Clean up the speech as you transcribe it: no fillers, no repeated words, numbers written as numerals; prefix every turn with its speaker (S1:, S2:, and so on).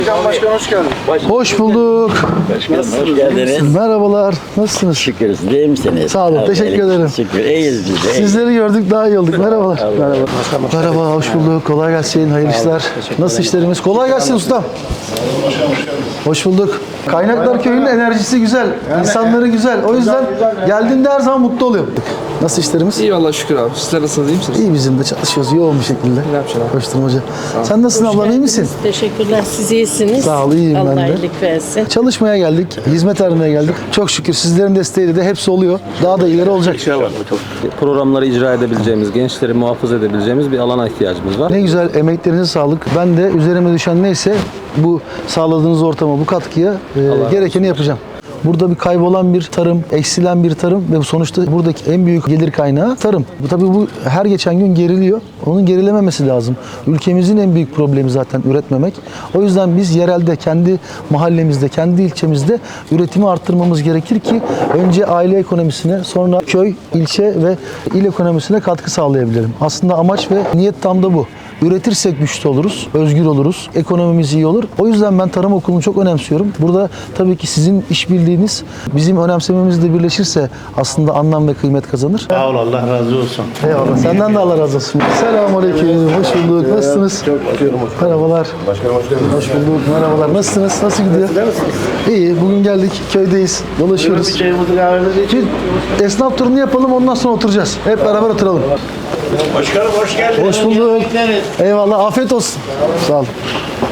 S1: Başkan hoş geldin.
S2: Hoş bulduk.
S3: Nasılsınız? Hoş geldiniz.
S2: Merhabalar. Nasılsınız?
S3: Şükür. Değil misiniz?
S2: Sağ olun, teşekkür ederim.
S3: Şükür. İyiyiz biz de.
S2: Sizleri gördük daha iyi olduk. Merhabalar. Merhaba, hoş bulduk. Kolay gelsin. Hayırlı işler. Nasıl işlerimiz? Kolay gelsin ustam. Hoş bulduk. Kaynaklar Köyü'nün enerjisi güzel. İnsanları güzel. O yüzden geldiğimde her zaman mutlu oluyorum. Nasıl işlerimiz?
S1: İyi vallahi şükür abi. Sizler nasılsınız? İyi misiniz?
S2: İyi, bizim de çalışıyoruz yoğun bir şekilde.
S1: Ne yapacaksın abi?
S2: Koşturmaca. Sen nasılsın ablam, iyi misin?
S4: Teşekkürler. Siz iyisiniz.
S2: Sağ ol, iyiyim ben
S4: Allah
S2: de.
S4: iyilik versin.
S2: Çalışmaya geldik, hizmet aramaya geldik. Çok şükür sizlerin desteğiyle de hepsi oluyor. Daha da ileri olacak.
S5: Programları icra edebileceğimiz, gençleri muhafaza edebileceğimiz bir alana ihtiyacımız var.
S2: Ne güzel, emeklerinize sağlık. Ben de üzerime düşen neyse bu sağladığınız ortama, bu katkıya gerekeni yapacağım. Burada bir kaybolan bir tarım, eksilen bir tarım ve sonuçta buradaki en büyük gelir kaynağı tarım. Tabii bu her geçen gün geriliyor. Onun gerilememesi lazım. Ülkemizin en büyük problemi zaten üretmemek. O yüzden biz yerelde, kendi mahallemizde, kendi ilçemizde üretimi arttırmamız gerekir ki önce aile ekonomisine, sonra köy, ilçe ve il ekonomisine katkı sağlayabilirim. Aslında amaç ve niyet tam da bu. Üretirsek güçlü oluruz, özgür oluruz, ekonomimiz iyi olur. O yüzden ben tarım okulunu çok önemsiyorum. Burada tabii ki sizin işbirliğiniz bizim önemsememizle birleşirse aslında anlam ve kıymet kazanır.
S6: Sağ ol, Allah razı olsun.
S2: Eyvallah. Senden de Allah razı olsun. Selamünaleyküm. Hoş bulduk. Nasılsınız?
S6: Çok tutuyorum hocam.
S2: Merhabalar.
S6: Başkanım hoş geldiniz.
S2: Hoş bulduk. Merhabalar. Nasılsınız? Nasıl gidiyor? İyi. Bugün geldik. Köydeyiz. Dolaşıyoruz.
S6: Bir çayımızı kahvemizi için.
S2: Bir esnaf turunu yapalım. Ondan sonra oturacağız. Hep beraber oturalım.
S6: Başkanım hoş geldiniz.
S2: Hoş bulduk.
S6: Bekleriz.
S2: Eyvallah. Afiyet olsun. Sağ olun.